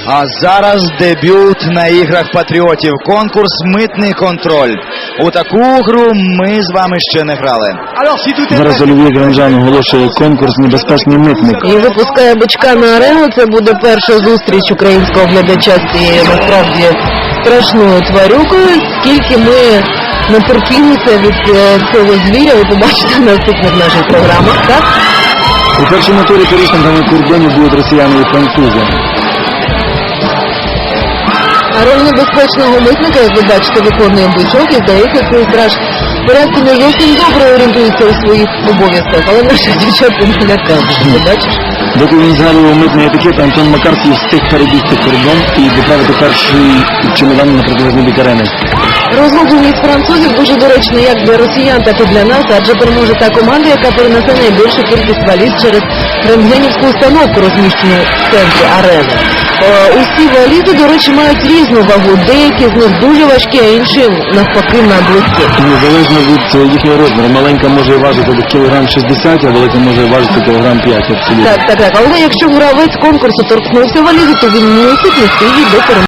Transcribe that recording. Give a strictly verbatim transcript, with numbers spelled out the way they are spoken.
А зараз дебют на іграх патріотів. Конкурс «Митний контроль». У таку гру ми з вами ще не грали. Зараз Олів'є Гранжан оголошує конкурс «Небезпечний митник». І випускає бичка на арену. Це буде перша зустріч українського глядача з цією, насправді, страшною тварюкою. Скільки ми натерпілися від цього звіря, ви побачите в наступних наших програмах, так? У першому турі порушниками кордонів будуть росіяни і французи. А роль небезпечного митника, як ви бачите, виконує бичок, і здається, цей страж в порядку не зовсім добре орієнтується у своїх обов'язках, але наших дівчат не лякають, ти бачиш? Доки він згадував митний етикет, Антон Макарський встиг перебігти кордон і доправити перший чемодан на протилежний бік арени. Розгубленість французів дуже доречна як для росіян, так і для нас, адже переможе та команда, яка перенесе найбільшу кількість валіз через рентгенівську установку, розміщену в центрі арени. Е, усі валізи, до речі, мають різну вагу. Деякі з них дуже важкі, а інші, навпаки, надлегкі. Незалежно від їхнього розміру. Маленька може важити до кілограм шістдесят, а велика може важити кілограм п'ять. Абсолютно. Так, так, так. Але якщо гравець конкурсу торкнувся валізи, то він мусить нести її до перемоги.